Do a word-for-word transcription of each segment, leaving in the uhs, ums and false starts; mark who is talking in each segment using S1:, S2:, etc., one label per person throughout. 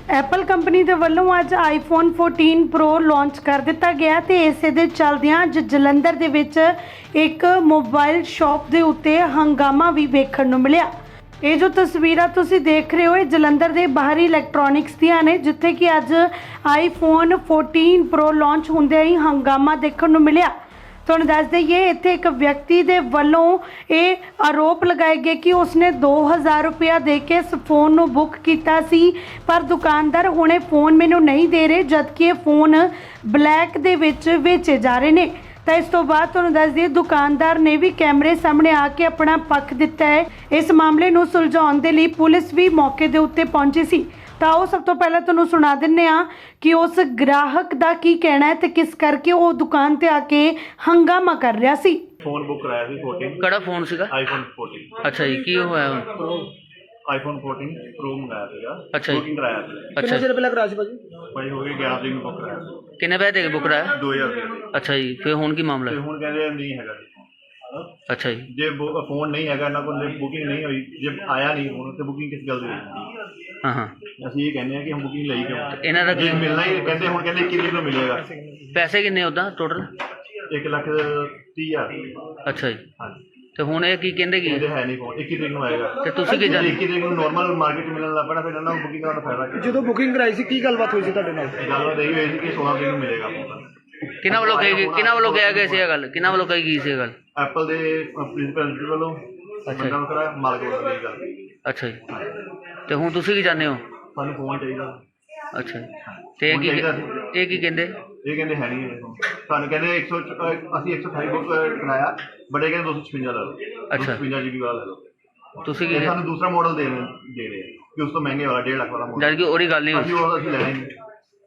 S1: Apple company ਦੇ ਵੱਲੋਂ ਅੱਜ ਆਈਫੋਨ फोurटीन ਪ੍ਰੋ ਲਾਂਚ ਕਰ ਦਿੱਤਾ ਗਿਆ ਤੇ ਇਸੇ ਦੇ ਚੱਲਦਿਆਂ ਅੱਜ ਜਲੰਧਰ ਦੇ ਵਿੱਚ ਇੱਕ ਮੋਬਾਈਲ ਸ਼ਾਪ ਦੇ ਉੱਤੇ ਹੰਗਾਮਾ ਵੀ ਵੇਖਣ ਨੂੰ ਮਿਲਿਆ। ਇਹ ਜੋ ਤਸਵੀਰਾਂ ਤੁਸੀਂ ਦੇਖ ਰਹੇ ਹੋ ਇਹ ਜਲੰਧਰ ਦੇ ਬਾਹਰੀ ਇਲੈਕਟ੍ਰੋਨਿਕਸ ਦੀਆਂ ਨੇ, ਜਿੱਥੇ ਕਿ ਅੱਜ ਆਈਫੋਨ फोurटीन ਪ੍ਰੋ ਲਾਂਚ ਹੁੰਦੇ ਹੀ ਹੰਗਾਮਾ ਦੇਖਣ ਨੂੰ ਮਿਲਿਆ। ਤੁਹਾਨੂੰ ਦੱਸ ਦਈਏ ਇੱਥੇ ਇੱਕ ਵਿਅਕਤੀ ਦੇ ਵੱਲੋਂ ਇਹ ਆਰੋਪ ਲਗਾਏ ਗਏ ਕਿ ਉਸਨੇ दो हज़ार रुपया ਦੇ ਕੇ ਇਸ ਫੋਨ ਨੂੰ ਬੁੱਕ ਕੀਤਾ ਸੀ, ਪਰ ਦੁਕਾਨਦਾਰ ਹੁਣੇ ਫੋਨ ਮੈਨੂੰ ਨਹੀਂ ਦੇ ਰਹੇ, ਜਦਕਿ ਇਹ ਫੋਨ ਬਲੈਕ ਦੇ ਵਿੱਚ ਵੇਚੇ ਜਾ ਰਹੇ ਨੇ। ਤਾਂ ਇਸ ਤੋਂ ਬਾਅਦ ਤੁਹਾਨੂੰ ਦੱਸ ਦਈਏ ਦੁਕਾਨਦਾਰ ਨੇ ਵੀ ਕੈਮਰੇ ਸਾਹਮਣੇ ਆ ਕੇ ਆਪਣਾ ਪੱਖ ਦਿੱਤਾ ਹੈ। ਇਸ ਮਾਮਲੇ ਨੂੰ ਸੁਲਝਾਉਣ ਦੇ ਲਈ ਪੁਲਿਸ ਵੀ ਮੌਕੇ ਦੇ ਉੱਤੇ ਪਹੁੰਚੀ ਸੀ। ਤਾਂ ਉਹ ਸਭ ਤੋਂ ਪਹਿਲਾਂ ਤੁਹਾਨੂੰ ਸੁਣਾ ਦਿੰਨੇ ਆ ਕਿ ਉਸ ਗ੍ਰਾਹਕ ਦਾ ਕੀ ਕਹਿਣਾ ਹੈ ਤੇ ਕਿਸ ਕਰਕੇ ਉਹ ਦੁਕਾਨ ਤੇ ਆ ਕੇ ਹੰਗਾਮਾ ਕਰ ਰਿਹਾ ਸੀ।
S2: ਫੋਨ ਬੁੱਕ ਕਰਾਇਆ ਸੀ फोurटीन।
S3: ਕਿਹੜਾ ਫੋਨ ਸੀਗਾ?
S2: IPhone fourteen.
S3: ਅੱਛਾ ਜੀ, ਕੀ ਹੋਇਆ ਹੁਣ?
S2: ਆਈਫੋਨ फोurटीन ਪ੍ਰੋ ਮੰਗਾਇਆ ਸੀਗਾ।
S3: ਅੱਛਾ ਜੀ।
S2: ਬੁਕਿੰਗ ਕਰਾਇਆ ਸੀ।
S3: ਅੱਛਾ
S4: ਚਿਰ ਪਹਿਲਾਂ ਕਰਾਇਆ ਸੀ ਭਾਜੀ?
S2: ਭਾਈ ਹੋ ਗਏ ਗਿਆਰਾਂ ਤਰੀਕ ਨੂੰ ਬੁੱਕ ਕਰਾਇਆ ਸੀ।
S3: ਕਿੰਨੇ ਪੈਸੇ ਦੇ ਕੇ ਬੁੱਕ ਕਰਾਇਆ?
S2: दो हज़ार ਰੁਪਏ।
S3: ਅੱਛਾ ਜੀ, ਫਿਰ ਹੁਣ ਕੀ ਮਾਮਲਾ
S2: ਤੇ
S3: ਹੈ?
S2: ਹੁਣ ਕਹਿੰਦੇ ਨਹੀਂ ਹੈਗਾ ਜੀ phone।
S3: ਅੱਛਾ ਜੀ,
S2: ਜੇ ਫੋਨ ਨਹੀਂ ਹੈਗਾ ਇਹਨਾਂ ਕੋਲ, ਬੁਕਿੰਗ ਨਹੀਂ ਹੋਈ, ਜੇ ਆਇਆ ਨਹੀਂ ਫੋਨ ਤੇ ਬੁਕਿੰਗ ਕਿਸ ਗੱਲ ਦੀ ਹੋਈ?
S3: ਹਾਂ ਹਾਂ।
S2: ਅਸੀਂ ਇਹ ਕਹਿੰਦੇ ਆ ਕਿ ਹੁਣ ਬੁਕਿੰਗ ਲਈ ਕਿਉਂ?
S3: ਇਹਨਾਂ ਦਾ
S2: ਜੇ ਮਿਲਣਾ ਹੀ ਕਹਿੰਦੇ ਹੁਣ ਕਹਿੰਦੇ ਇੱਕੀ ਤਰੀਕ ਨੂੰ ਮਿਲੇਗਾ।
S3: ਪੈਸੇ ਕਿੰਨੇ ਉੱਦਾਂ ਟੋਟਲ?
S2: ਇੱਕ ਲੱਖ ਤੀਹ ਹਜ਼ਾਰ।
S3: ਅੱਛਾ ਜੀ,
S2: ਹਾਂਜੀ।
S3: ਤੇ ਹੁਣ ਇਹ ਕੀ ਕਹਿੰਦੇ ਕੀ
S2: ਇਹਦੇ ਹੈ ਨਹੀਂ ਫੋਨ, ਇੱਕੀ ਤਰੀਕ ਨੂੰ ਆਏਗਾ।
S3: ਤੇ ਤੁਸੀਂ ਕੀ ਜਾਣਦੇ?
S2: ਇੱਕੀ ਤਰੀਕ ਨੂੰ ਨਾਰਮਲ ਮਾਰਕੀਟ ਮਿਲਣ ਲੱਗ ਪੈਣਾ, ਫਿਰ ਇਹਨਾਂ ਨੂੰ ਬੁਕਿੰਗ ਕਰਾਉਣ ਦਾ ਫਾਇਦਾ ਕੀ?
S4: ਜਦੋਂ ਬੁਕਿੰਗ ਕਰਾਈ ਸੀ ਕੀ ਗੱਲਬਾਤ ਹੋਈ ਸੀ ਤੁਹਾਡੇ ਨਾਲ?
S2: ਗੱਲਬਾਤ ਇਹ ਹੋਈ ਸੀ ਕਿ सोलह ਤਰੀਕ ਨੂੰ ਮਿਲੇਗਾ ਫੋਨ।
S3: ਕਿਹਨਾਂ ਵੱਲੋਂ ਕਹੀ ਗਈ ਕਿਹਨਾਂ ਵੱਲੋਂ ਕਿਹਾ ਗਿਆ ਸੀ ਇਹ ਗੱਲ? ਕਿਹਨਾਂ ਵੱਲੋਂ ਕਹੀ ਗਈ ਸੀ ਇਹ ਗੱਲ?
S2: ਐਪਲ ਦੇ ਪ੍ਰਿੰਸੀਪਲ ਵੱਲੋਂ ਬੰਦਾ ਵਖਰਾ ਮਾਲਕ ਵੱਲੋਂ ਇਹ ਗੱਲ।
S3: ਅੱਛਾ ਜੀ, ਤੇ ਹੁਣ ਤੁਸੀਂ ਕੀ ਚਾਹੁੰਦੇ ਹੋ?
S2: ਸਾਨੂੰ ਫੋਨ ਚਾਹੀਦਾ।
S3: ਅੱਛਾ ਜੀ, ਤੇ ਇਹ ਕੀ ਇਹ ਕੀ ਕਹਿੰਦੇ?
S2: ਇਹ ਕਹਿੰਦੇ ਹੈ ਨਹੀਂ ਸਾਨੂੰ, ਕਹਿੰਦੇ ਇੱਕ ਸੌ ਅਸੀਂ ਇੱਕ ਸੌ ਅਠਾਈ ਬੁੱਕ ਕਰਾਇਆ, ਬੜੇ ਕਹਿੰਦੇ दो सौ छप्पन ਲਾ ਲਓ।
S3: ਅੱਛਾ,
S2: छप्पन ਜੀ ਬੀ ਵਾਲਾ ਲੈ ਲਓ।
S3: ਤੁਸੀਂ ਕੀ
S2: ਸਾਨੂੰ ਦੂਸਰਾ ਮਾਡਲ ਦੇ ਦੇ ਰਹੇ ਕਿ ਉਸ ਤੋਂ ਮਹਿੰਗੇ ਵਾਲਾ डेढ़ ਲੱਖ ਵਾਲਾ ਮਾਡਲ।
S3: ਜਦ ਕਿ ਉਹਦੀ ਗੱਲ ਨਹੀਂ
S2: ਅਸੀਂ ਉਹ ਅਸੀਂ ਲੈਣਾ ਹੀ ਨਹੀਂ,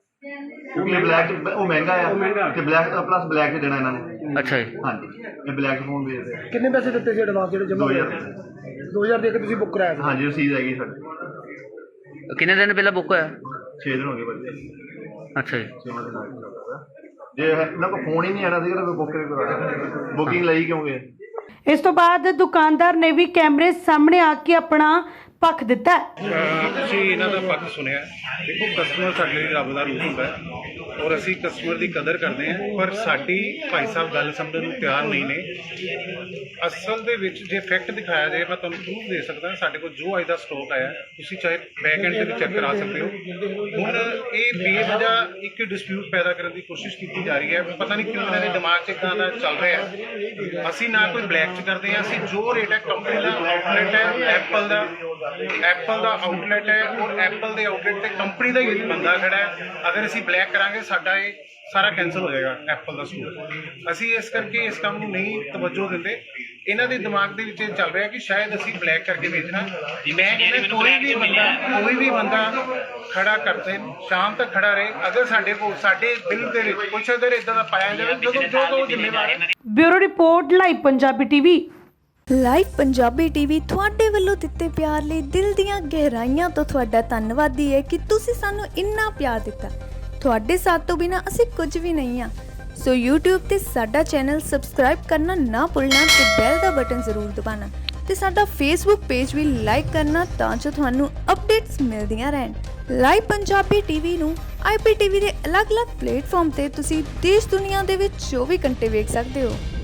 S2: ਕਿਉਂਕਿ ਬਲੈਕ ਉਹ ਮਹਿੰਗਾ ਆ ਤੇ ਬਲੈਕ ਪਲੱਸ ਬਲੈਕ ਚ ਦੇਣਾ ਇਹਨਾਂ ਨੇ।
S3: ਅੱਛਾ ਜੀ,
S2: ਹਾਂਜੀ, ਇਹ ਬਲੈਕ ਫੋਨ ਵੇਚਦੇ ਆ।
S4: ਕਿੰਨੇ ਪੈਸੇ ਦਿੱਤੇ ਸੀ ਐਡਵਾਂਸ ਜਿਹੜੇ ਜਮ੍ਹਾਂ
S2: दो
S4: ਹੋਏ?
S2: हज़ार
S4: दो हज़ार ਦੇ ਕੇ ਤੁਸੀਂ ਬੁੱਕ ਕਰਾਇਆ ਸੀ?
S2: ਹਾਂਜੀ, ਰਸੀਦ ਹੈਗੀ ਸਾਡੀ।
S3: ਕਿੰਨੇ ਦਿਨ ਪਹਿਲਾਂ ਬੁੱਕ ਹੋਇਆ?
S2: छः दिन हो गए बच्चे।
S3: ਅੱਛਾ ਜੀ,
S2: छेवां दिन आ ਜੇ ਇਹਨਾਂ ਕੋਲ ਫੋਨ ਹੀ ਨਹੀਂ ਆਣਾ ਸੀਗਾ ਤਾਂ ਬੁੱਕ ਕਿਉਂ ਕਰਾਇਆ? ਬੁਕਿੰਗ ਲਈ ਕਿਉਂ ਗਏ?
S1: ਇਸ ਤੋਂ ਬਾਅਦ ਦੁਕਾਨਦਾਰ ਨੇ ਵੀ ਕੈਮਰੇ ਸਾਹਮਣੇ ਆ ਕੇ ਆਪਣਾ ਪੱਖ ਦਿੱਤਾ ਹੈ।
S5: ਤੁਸੀਂ ਇਹਨਾਂ ਦਾ ਪੱਖ ਸੁਣਿਆ। ਦੇਖੋ, ਕਸਟਮਰ ਸਾਡੇ ਲਈ ਰੱਬ ਦਾ ਰੂਪ ਹੁੰਦਾ ਹੈ ਔਰ ਅਸੀਂ ਕਸਟਮਰ ਦੀ ਕਦਰ ਕਰਦੇ ਹਾਂ, ਪਰ ਸਾਡੀ ਭਾਈ ਸਾਹਿਬ ਗੱਲ ਸਮਝਣ ਨੂੰ ਤਿਆਰ ਨਹੀਂ ਨੇ। ਅਸਲ ਦੇ ਵਿੱਚ ਜੇ ਫੈਕਟ ਦਿਖਾਇਆ ਜਾਏ, ਮੈਂ ਤੁਹਾਨੂੰ ਪ੍ਰੂਫ ਦੇ ਸਕਦਾ। ਸਾਡੇ ਕੋਲ ਜੋ ਅੱਜ ਦਾ ਸਟਾਕ ਆਇਆ ਤੁਸੀਂ ਚਾਹੇ ਬੈਕ ਐਂਡ ਤੇ ਵੀ ਚੈੱਕ ਕਰਾ ਸਕਦੇ ਹੋ। ਹੁਣ ਇਹ ਬੇਵਜ੍ਹਾ ਇੱਕ ਡਿਸਪਿਊਟ ਪੈਦਾ ਕਰਨ ਦੀ ਕੋਸ਼ਿਸ਼ ਕੀਤੀ ਜਾ ਰਹੀ ਹੈ। ਪਤਾ ਨਹੀਂ ਕਿਉਂ ਇਹਨਾਂ ਦੇ ਦਿਮਾਗ 'ਚ ਇੱਦਾਂ ਦਾ ਚੱਲ ਰਿਹਾ। ਅਸੀਂ ਨਾ ਕੋਈ ਬਲੈਕ 'ਚ ਕਰਦੇ ਹਾਂ, ਅਸੀਂ ਜੋ ਰੇਟ ਹੈ ਕੰਪਨੀ ਦਾ ਆਊਟਲੈਟ ਹੈ ਐਪਲ ਦਾ ਐਪਲ ਦਾ ਆਊਟਲੈਟ ਹੈ ਔਰ ਐਪਲ ਦੇ ਆਊਟਲੈਟ ਤੇ ਕੰਪਨੀ ਦਾ ਹੀ ਬੰਦਾ ਖੜਾ ਹੈ। ਅਗਰ ਅਸੀਂ ਬਲੈਕ ਕਰਾਂਗੇ ਸਾਡਾ ਇਹ ਸਾਰਾ ਕੈਂਸਲ ਹੋ ਜਾਏਗਾ ਐਪਲ ਦਾ ਸਟੋਰ। ਅਸੀਂ ਇਸ ਕਰਕੇ ਇਸ ਕੰਮ ਨੂੰ ਨਹੀਂ ਤਵੱਜੋ ਦਿੰਦੇ। ਇਹਨਾਂ ਦੇ ਦਿਮਾਗ ਦੇ ਵਿੱਚ ਇਹ ਚੱਲ ਰਿਹਾ ਕਿ ਸ਼ਾਇਦ ਅਸੀਂ ਬਲੈਕ ਕਰਕੇ ਵੇਚਣਾ। ਮੈਂ ਕਹਿੰਦਾ ਕੋਈ ਵੀ ਬੰਦਾ ਕੋਈ ਵੀ ਬੰਦਾ ਖੜਾ ਕਰਦੇ ਸ਼ਾਮ ਤੱਕ ਖੜਾ ਰਹੇ। ਅਗਰ ਸਾਡੇ ਕੋਲ ਸਾਡੇ ਬਿੱਲ ਦੇ ਵਿੱਚ ਕੁਛ ਅਗਰ ਇਦਾਂ ਦਾ ਪਾਇਆ ਜਾਵੇ ਜਦੋਂ ਜੋ ਜੋ ਜ਼ਿੰਮੇਵਾਰ ਹੈ।
S1: Bureau report, live Punjabi TV.
S6: Live Punjabi TV ਤੁਹਾਡੇ ਵੱਲੋਂ ਦਿੱਤੇ ਪਿਆਰ ਲਈ ਦਿਲ ਦੀਆਂ ਗਹਿਰਾਈਆਂ ਤੋਂ ਤੁਹਾਡਾ ਧੰਨਵਾਦੀ ਹੈ ਕਿ ਤੁਸੀਂ ਸਾਨੂੰ ਇੰਨਾ ਪਿਆਰ ਦਿੱਤਾ। ਤੁਹਾਡੇ ਸਾਥ ਤੋਂ ਬਿਨਾਂ ਅਸੀਂ ਕੁਝ ਵੀ ਨਹੀਂ ਹਾਂ। ਸੋ YouTube ਤੇ ਸਾਡਾ ਚੈਨਲ ਸਬਸਕ੍ਰਾਈਬ ਕਰਨਾ ਨਾ ਭੁੱਲਣਾ ਤੇ ਬੈਲ ਦਾ ਬਟਨ ਜ਼ਰੂਰ ਦਬਾਉਣਾ ਤੇ ਸਾਡਾ Facebook ਪੇਜ ਵੀ ਲਾਈਕ ਕਰਨਾ ਤਾਂ ਜੋ ਤੁਹਾਨੂੰ ਅਪਡੇਟਸ ਮਿਲਦੀਆਂ ਰਹਿਣ। ਲਾਈਵ ਪੰਜਾਬੀ ਟੀਵੀ ਨੂੰ ਆਈ ਪੀ ਟੀ ਵੀ ਦੇ ਅਲੱਗ-ਅਲੱਗ ਪਲੇਟਫਾਰਮ ਤੇ ਤੁਸੀਂ ਦੇਸ਼ ਦੁਨੀਆ ਦੇ ਵਿੱਚ ਚੌਵੀ ਘੰਟੇ ਵੇਖ ਸਕਦੇ ਹੋ।